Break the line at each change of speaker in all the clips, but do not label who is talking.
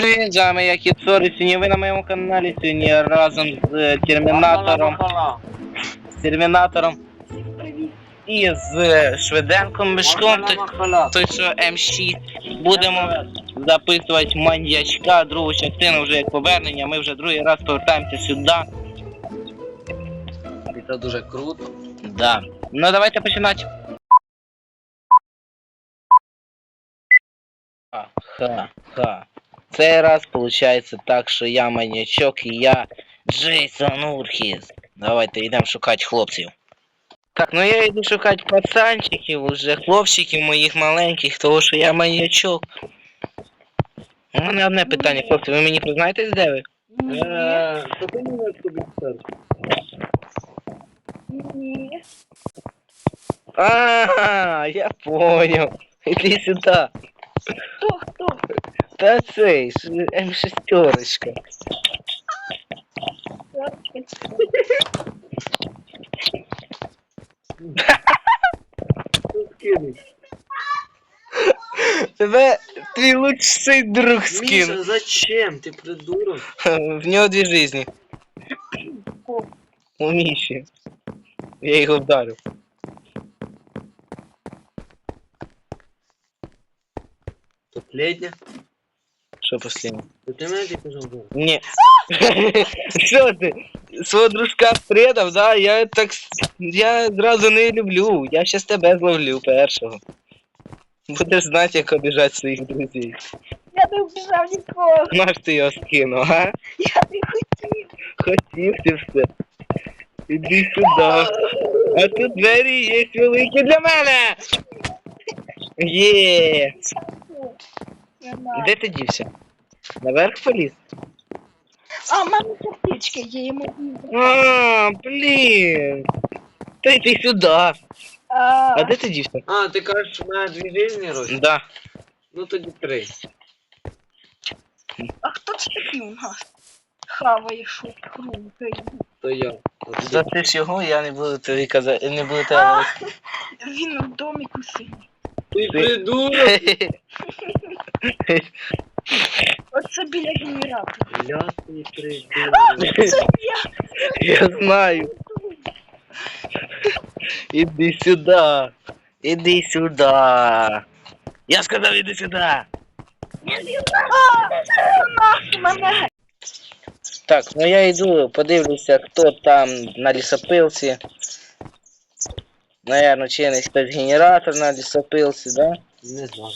Привіт, з вами я Кіт Сорі. Сьогодні ви на моєму каналі сьогодні разом з Термінатором і з Швиденком Мишком, той що М6. Будемо записувати маньячка, другу частину вже як повернення. Ми вже другий раз повертаємося сюди.
І це дуже круто.
Да. Ну давайте починати. Ха-ха. Цей раз виходить так, що я маньячок і я Джейсон Урхіс. Давайте йдемо шукати хлопців. Так, ну я йду шукати пацанчиків, уже хлопчиків моїх маленьких, тому що я маньячок. У мене одне питання, хлопці, ви мені признаєтесь, де ви?
Що ти мене тобі скажеш?
Ні.
Я понял. Іди сюди.
Хто?
Та цей, М6. Тебе твій лучший друг скинув.
Миша, зачем? Ты придурок.
В нього дві жизни. У Міші. Я його вдарив.
Последня?
Що последнє?
То ти мене тільки жовтий.
Ні. Що ти? Свого дружка предав, да? Я зразу не люблю. Я щас тебе зловлю першого. Будеш знати, як обіжати своїх друзів.
Я не вбіжав нікого.
Наш ти його скинув, а?
Я не хотів.
Хотів ти все. Іди сюди. А тут двері є великі для мене. Є. Де ти дівся? Наверх поліз?
А, в мене сердечко є, йому.
Блін. Та йди сюди. А де ти дівся?
А, ти кажеш, у мене дві жизни, Рось?
Да.
Ну тоді три.
А хто це такий у нас? Хаває шут круто.
То я.
За ти ж його, я не буду тобі казати, не буду тебе говорити.
Він в доміку сидить.
Ти придурок!
Оце біля генератора.
Бля, ти придурок.
Це
Я знаю. Іди сюди. Іди сюди. Я сказав, іди сюди.
мене.
Так, ну я йду, подивлюся, хто там на лісопилці. Наверно, чинить хтось генератор на лісопилці, да?
Не знаю.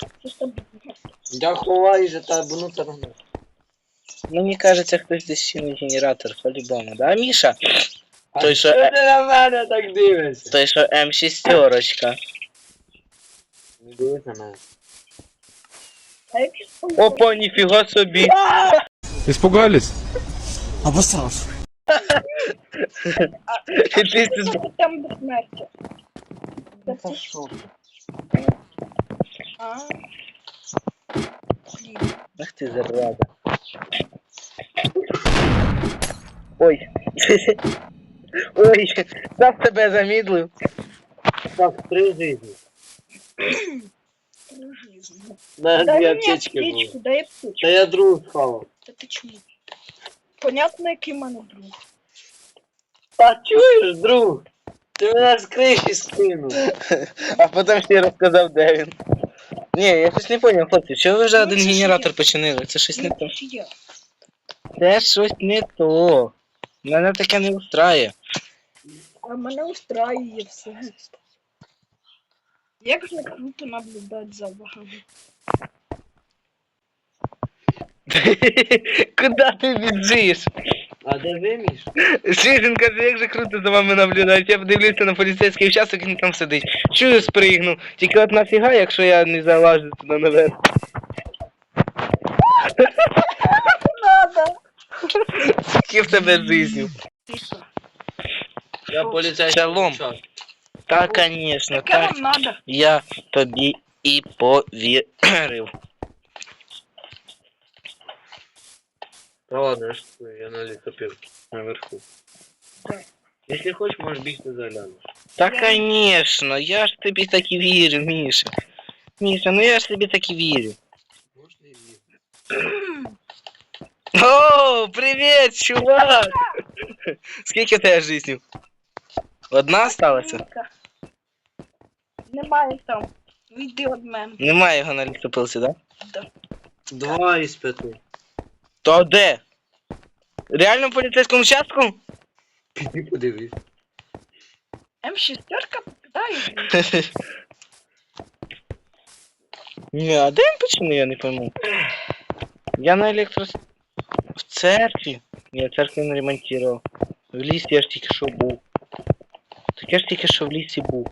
Я ховаю за та бунута.
Мені кажеться, хтось десь чинить генератор, по-любому, да, Міша?
А
Той, що...
що ти на мене так дивишся?
Той, що М6.
Не дивись на мене.
Опа, ніфіга собі.
Испугались?
Обосрался.
Іди сюди.
Там до смерті. А? Блін.
Ах ти зараза. Ой. Ой, сам тебе замідлив.
Так, три жизни. На
Дай
дві
мені
аптечки було.
аптечку, дай аптечку.
Та я другу схавав.
Та ти чому? Понятно, який в мене друг.
Та чуєш, друг? Ти мене з криші скинув.
А потім ще розказав, де він. Ні, я щось не зрозумів, хлопці, чого ви вже один
це ж
генератор
я.
починили? Це щось не то.
Це я.
Це щось не то. Мене таке не устраює.
А мене устраює все. Як же круто наблюдати за вами.
Куди ти біжиш?
А де виміш?
Ширин каже, як же круто за вами наблюдати. Я подивлюся на поліцейський участок, він там сидить. Чую, спригну. Тільки от нафіга, якщо я не залажу туди наверх.
Надо.
Скільки в тебе жизнью?
Я поліцейський.
Шалом.
участок.
Та, конечно,
Таке
так.
вам надо.
Я тобі і повірив.
Та ладно, я на лісопилці. Наверху.
Да.
Якщо хочеш, можеш бігти заглянеш.
Та, конечно, я ж тобі так і вірю, Міша. Міша, ну я ж тобі так і вірю.
Можна і бігти.
О, привіт, чувак! Скільки в тебе жизнів? Одна осталася?
Віка. Немає там. Віди від мене.
Немає його на лісопилці, да?
Да.
2 із 5.
То де? Реально в поліцейському участку?
Піди подивись.
М6 попадає.
Ні, а де він почему, я не пойму. Я на электро... В церкві? Ні, в церкві не ремонтував. В лісі я ж тільки що був. Так я ж тільки що в лісі був.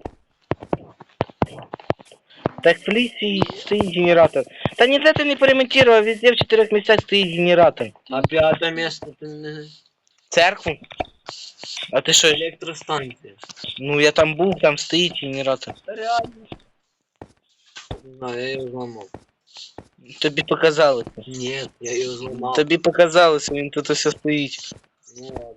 Так в лісі стоїть генератор. Та ніде ти не поремонтував, везде в 4 місцях стоїть генератор.
А 5 місце ти не...
Церкву? А ти що?
Електростанція.
Ну я там був, там стоїть генератор.
Реально.
Не знаю, я його зламав.
Тобі показалося.
Ні, я його зламав.
Тобі показалося, він тут все стоїть.
Ну ладно.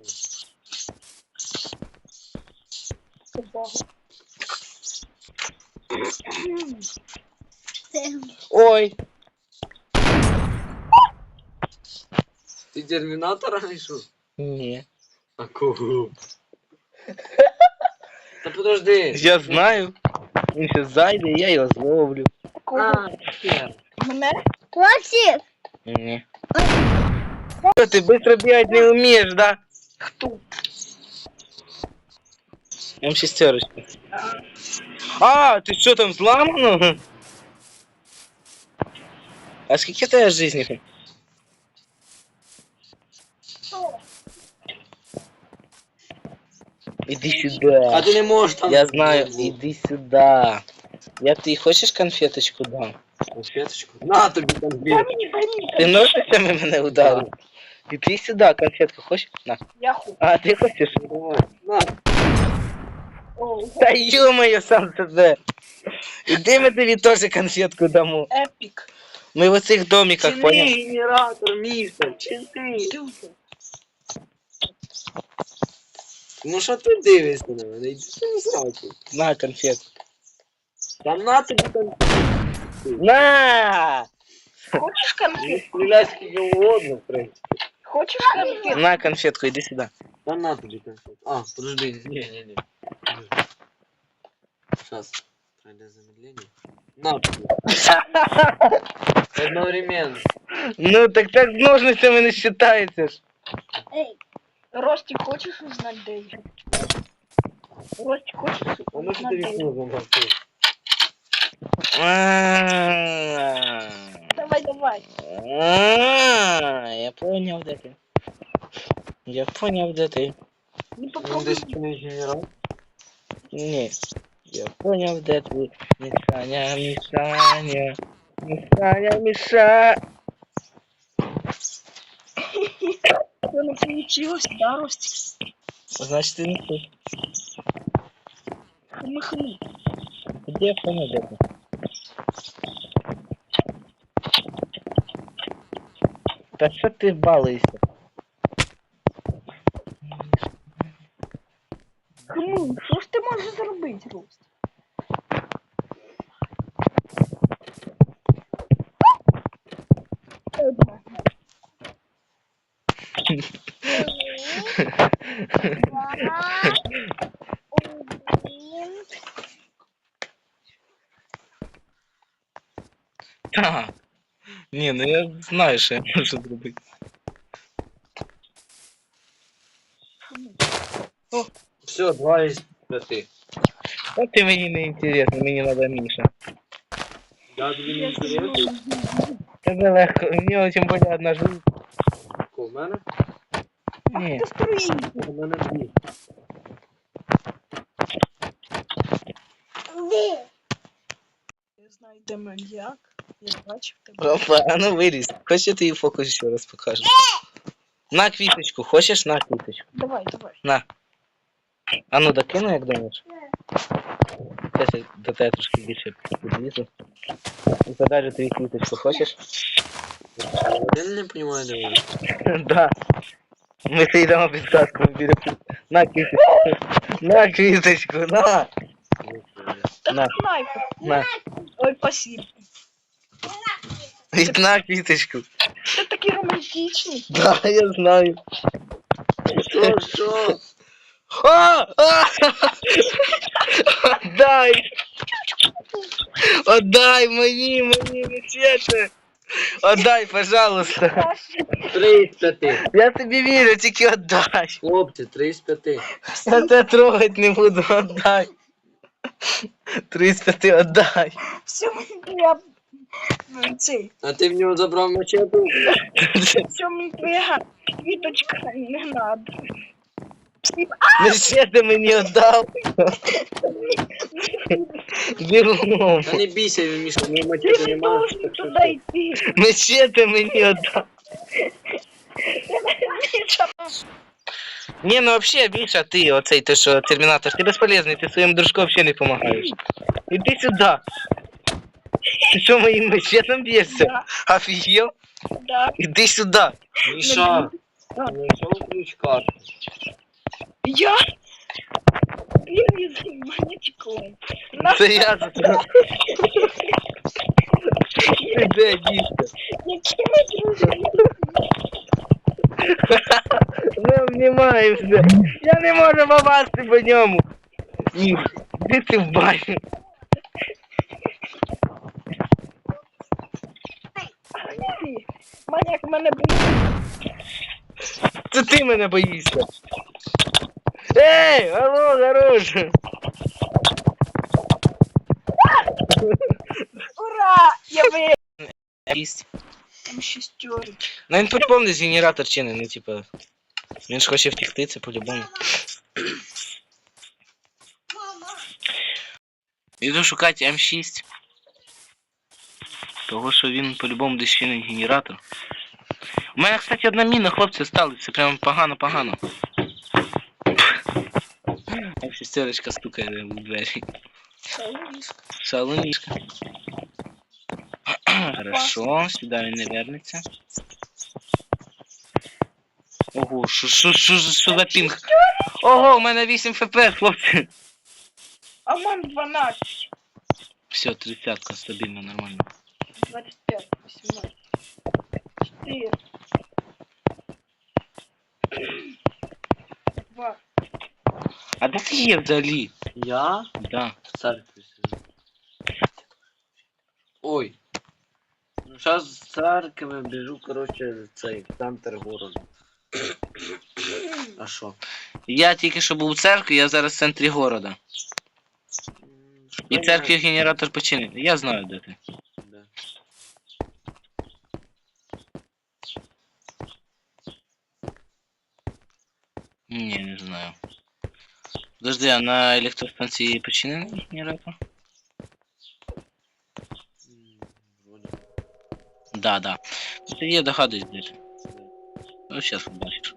Ой,
Ти термінатора знайшов?
ні.
А кого? Та подожди.
Я знаю. Він ще зайде, я його зловлю.
А, хер.
Мене?
Ні. Що, ти быстро бігати не вмієш, да?
Хто?
М6. А, ти що там зламано? А скільки в тебе жизней? Іди
А
сюди.
ти не можеш там...
Я знаю, іди сюди. Я ти хочеш конфеточку дам?
Конфеточку? На тобі конфетку.
Ти ножницями мене ударив? Іди сюди, конфетку хочеш? На.
Я ху.
А, ти хочеш?
На.
О,
Та ё-моё, сам тебе. Іди ми тобі теж конфетку дамо.
епік.
Ми в оцих домиках, понял?
Чини генератор, містер, чини.
Ти вже.
Ну що ти дивишся на мене? Іди ти не сраку.
На конфетку.
Там на тобі конфетку.
На!
Хочеш
Не
конфет?
стріляй скільки угодно, в принципі.
Хочеш конфет?
На конфетку, іди сюди.
Там на тобі конфетку. А, подожди, не. Сейчас. Пройде замедление. На тобі. Одновременно.
Ну так так з ножницями не считається ж.
Ей, Ростик, хочеш узнати, де я? Ростик, хочеш
А ну що
узнати,
ти
де я?
вікно замовчив?
А,
Давай.
Я понял, де ти. Я понял, де ти.
Не
Ну
попробуй.
десь чиний генерал.
Ні. Я понял, де ти. Мішаня, Мішаня. Мішаня, Міша.
Что не получилось, да, Ростик?
Значить, ти не тут.
Хмы-хмы.
Де понял, де ти? Та що ти балуєшся?
Хмы, що ж ти можеш зробити, Ростик?
Так. Ні, ну я знаю, що я можу зробити.
Все, 2 із 5.
Та ти мені не інтересно, мені треба Міша.
Я тобі не інтересно.
Тебе легко, у нього тим більше одна жизнь.
У мене?
Ні.
Ти струїнь.
У мене 2.
Я знаю, де маньяк. Я бачив тебе.
Опа, а ну виліз. Хочеш я тобі фокус ще раз покажу? На квіточку, хочеш на квіточку?
Давай.
На. А ну докину, як думаєш? Зараз я до тебе трошки більше підлізу. І подалі тобі квіточку, хочеш?
Я не розумію, де вони.
Да. Ми йдемо без каску біля. На квіточку. На квіточку, на.
Так
На.
снайпер.
На.
Ой, спасибо.
Одна квіточку.
Ти такий романтичний.
Да, я знаю.
Що?
Отдай! Отдай мені, мечети! Отдай, пожалуйста.
3 з 5.
Я тобі вірю, тільки отдай.
Хлопці, 3 з 5.
Я тебе трогать не буду, отдай. 300 ти отдай.
Все, я... Цей.
А ти в нього забрав мачету?
Все, мені твоя квіточка не надо.
Мечети мені отдав. Бігом.
Та не бійся, він Міша, в нього
Ти
мачети
не
немає.
должен туди йти.
Мечети мені отдав. Не, ну вообще, Миша, ты, оцей, ты что, терминатор, ты бесполезный, ты своим дружкам вообще не помогаешь. Иди сюда. Ты что, моим мечетом бьешься?
Да,
Офигел?
да.
Иди сюда.
Міша, знайшов ключ карти.
Я? Блин, не монетиком.
Це я за тебе. Ти де, дійсно?
Які ми друзі?
Ми обнімаємося. Я не можу попасти по ньому. Ні, де ти в баню?
Маньяк мене боїться.
Це ти мене боїшся. Ей, алло, хорош.
Ура! Я ви...
Їсть.
Там шестерки.
Ну він по-любому десь генератор чинить, ну типа. Він ж хоче втекти, це по-любому. Іду шукати М6. Того, що він по-любому десь чинить генератор. У мене, кстати, одна міна, хлопці, стали. Це прям погано-погано. Шестерочка стукає в двері. Шалунишка. Хорошо, сюди він не вернеться. Ого, що за пінг? Ого, у мене 8 ФПС, хлопці.
А мам 12.
Все, 30-ка, стабільно, нормально.
25, 18. 4. 2.
А де ти є взагалі?
Я
Да.
в церкві сижу. Ой. Ну зараз з церкви біжу, коротше, в цей центр городу. А що?
Я тільки що був у церкві, я зараз в центрі города. І в церкві генератор починений. Я знаю, де ти.
Да.
Ні, не знаю. Подожди, а на електростанції починений генератор?
Вроде.
Да, да. Ну, тоді я догадуюсь, де ти. Ну, зараз побачиш.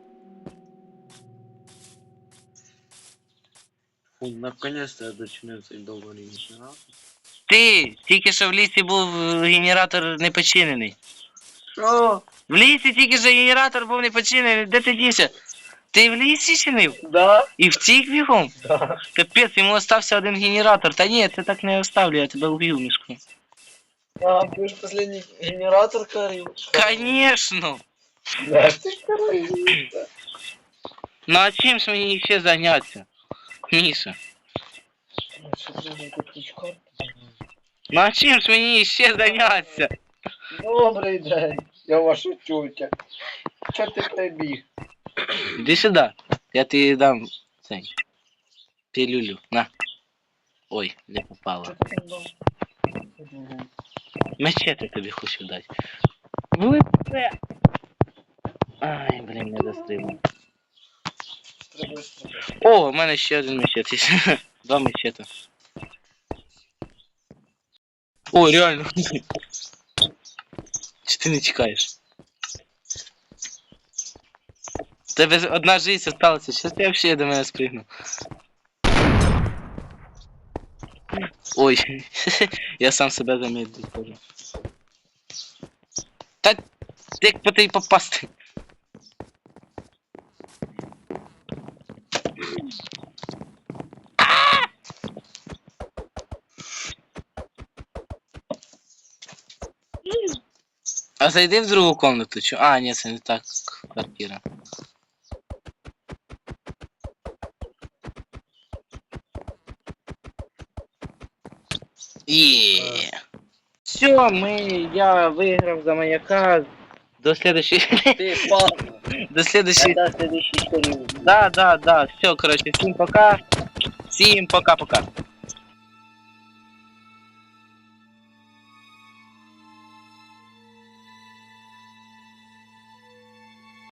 Фу, наконец-то я дочинив цей довгий генератор.
Ти! Тільки що в лісі був генератор не починений.
Що?
В лісі тільки що генератор був не починений. Де ти дівся? Ти в лісі чинив?
Да?
І втік бігом?
Да.
Капець, йому остався один генератор. Та ні, ти так не оставлю, я тебе уб'ю, мішку.
А, ты же последний генератор корил.
Конечно!
Да, ты ж корил.
Ну а чим ж мені ще зайнятися? Міша. Ну а чим ж мені ще зайнятися?
Добрий день, я ваша тютя. Чо ти прибіг?
Іди сюди. Я тобі дам цей. Пилюлю. На. Ой, не попало. Мечети тобі хочу дати. Влипе. Ай, блін, не дострибну. О, у мене ще один мечет є. Два мечета. О, реально. Чи ти не чекаєш? В тебе одна жизнь осталася, щас ти взагалі до мене спригну. Ой, я сам себе замедлив тоже. Та як по тобі попасти? А зайди в другу комнату. Чё? А, ні, це не так квартира. Є. Все, я виграв за маяка. До следующей...
Ти падла.
До следующей...
Я до следующей серии.
Да. Все, короче, всім пока. Всім пока-пока.